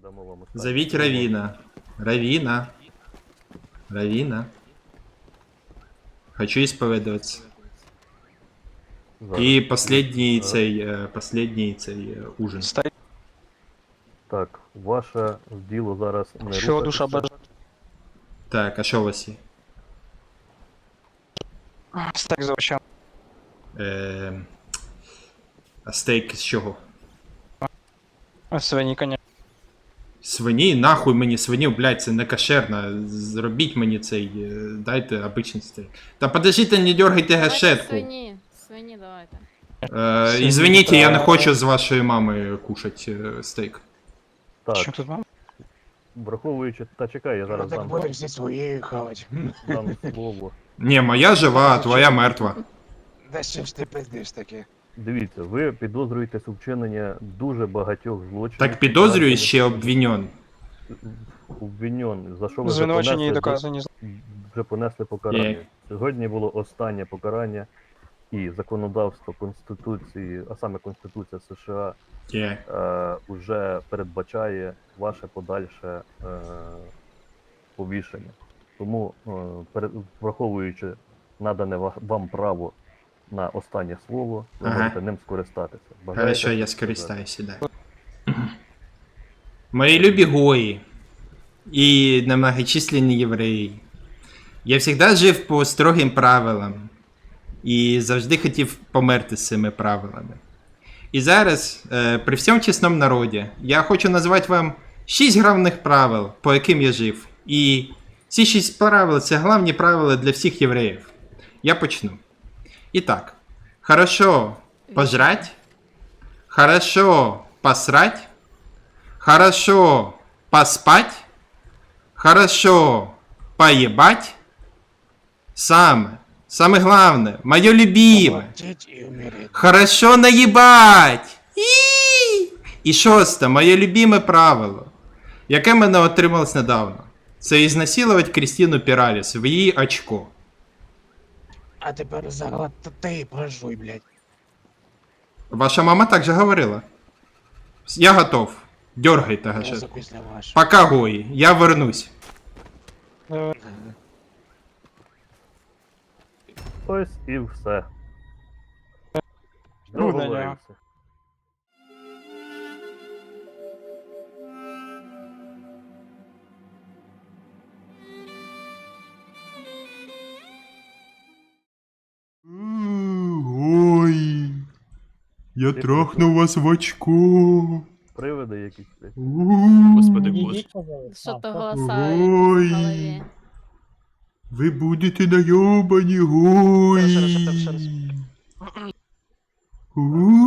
дамо вам останнє Зовите слово. Равина. Равина. Равина. Хочу исповедоваться. Зараз. И последний цей ужин. Так, ваше діло зараз не Що душа рухатися. бажає? Так, а що у вас є? Стек за овощами. А стейк з чого? Свині, коня. Свині? Нахуй мені свиню, блядь, це не кошерно. Зробіть мені цей, дайте обичний стейк. Та подождите, не дергайте Давайте гашетку. свині давайте. Извините, я не хочу з вашою мамою кушати стейк. Що Так, тут вам? враховуючи... Та чекай, я Ну зараз так дам, будемо всі свої хавати. дам слово. Ні, моя жива, а твоя мертва. Да що ж ти пиздиш таке? Дивіться, ви підозрюєтесь у вчиненні дуже багатьох злочинів. Так підозрюю, ще обвинен. Обвинен, за що ви вже Звинувачення і понесли, доказані. вже понесли покарання. Є. Сьогодні було останнє покарання, і законодавство Конституції, а саме Конституція США, Є. вже передбачає ваше подальше повішення. Тому, враховуючи надане вам право на останнє слово, ви Ага. можете ним скористатися. Бажаєте Хорошо, я щось сказати? скористаюся, да. Мои любі гої і немногочисленні євреї. Я завжди жив по строгим правилам і завжди хотів померти з цими правилами. І зараз, при всьому чесному народі, я хочу назвати вам 6 головних правил, по яким я жив. І ці 6 правил – це головні правила для всіх євреїв. Я почну. Итак, хорошо пожрать, хорошо посрать, хорошо поспать, хорошо поебать, самое главное, мое любимое, Молчить і умереть. хорошо наебать. І шосте, моє любиме правило, яке мене отрималось недавно. Це ізнасилувати Крістіну Піраліс в її очко. А тепер заглад ти пожуй, блядь. Ваша мама так же говорила. Я готов. Дергайте Зразу гашетку. після вашого. Пока, гої, я вернусь. Ось і все. Ну, да, Договорився. Ой, я трахну вас в очко. Привиди якісь. Господи Боже. Що-то голоса Ой. в голові. Ви будете найобані, гой. Ще раз.